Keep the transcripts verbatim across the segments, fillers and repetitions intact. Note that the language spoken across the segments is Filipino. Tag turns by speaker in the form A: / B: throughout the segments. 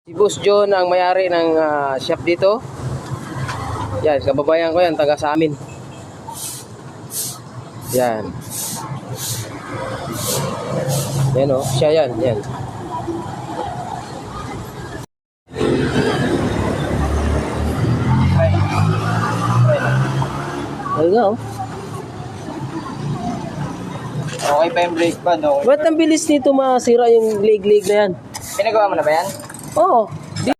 A: Si Boss John ang may-ari ng uh, shop dito. Yan, kababayan ko yan, taga sa amin. Yan. Yan o, siya yan, yan. Ayun nga o.
B: Okay pa yung brake pad, okay.
A: Ba't ang bilis nito masira yung leg-leg na yan?
B: Pinagawa mo na ba yan?
A: Oo. Di-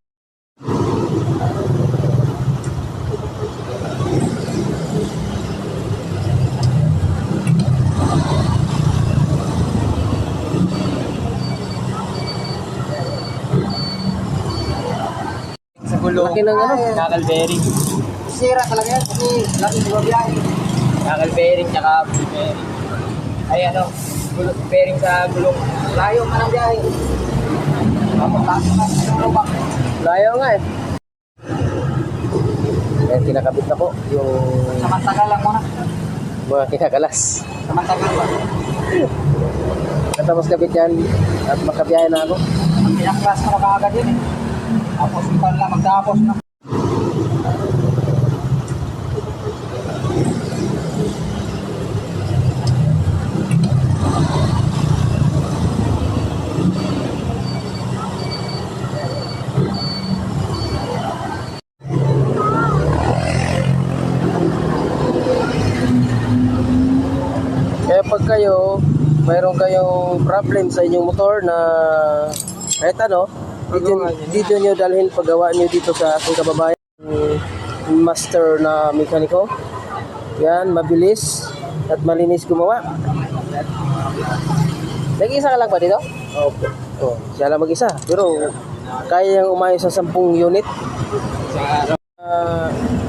B: Sa gulong.
A: Laki ng ano?
B: Knuckle bearing. Sira talaga yan kasi laki di ba biyahe? Knuckle bearing tsaka ball bearing. Ay ano, gulong, bearing sa gulong. Layo man ang biyahe. Tapos taas na sa lubak.
A: Layo nga eh. Kaya kinakabit na po yung
B: Samantagal lang muna.
A: mga kinakalas.
B: Samantagal ba?
A: Katapos kabit yan at makabiyahe na ako.
B: Ang pinaklas mo na kaagad yun eh. Tapos ikaw lang magtapos na.
A: Kaya pag kayo, mayroon kayong problem sa inyong motor na kahit ano, dito, dito nyo dalhin paggawa nyo dito sa aking kababayan, master na mekaniko. Yan, mabilis at malinis gumawa. Nag-isa ka lang ba dito? Opo. Oh, siya lang mag-isa. Pero kaya yung umayos sa sampung unit. Uh,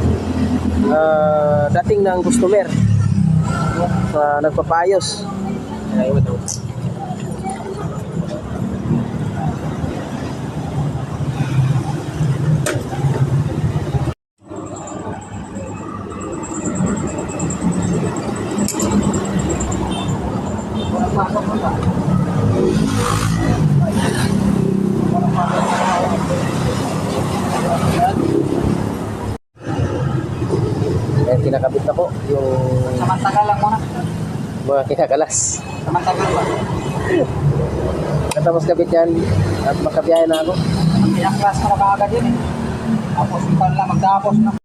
A: uh, dating ng customer sa nagpapayos. Ay, ito. Kaya kinakabit na po yung
B: Samantagal lang muna.
A: mga kinakalas.
B: Samantagal ba?
A: Katapos kabit yan at makabiyahe na ako.
B: Ang pinaklas mo na kaagad yun eh. Tapos ikaw lang magtapos na.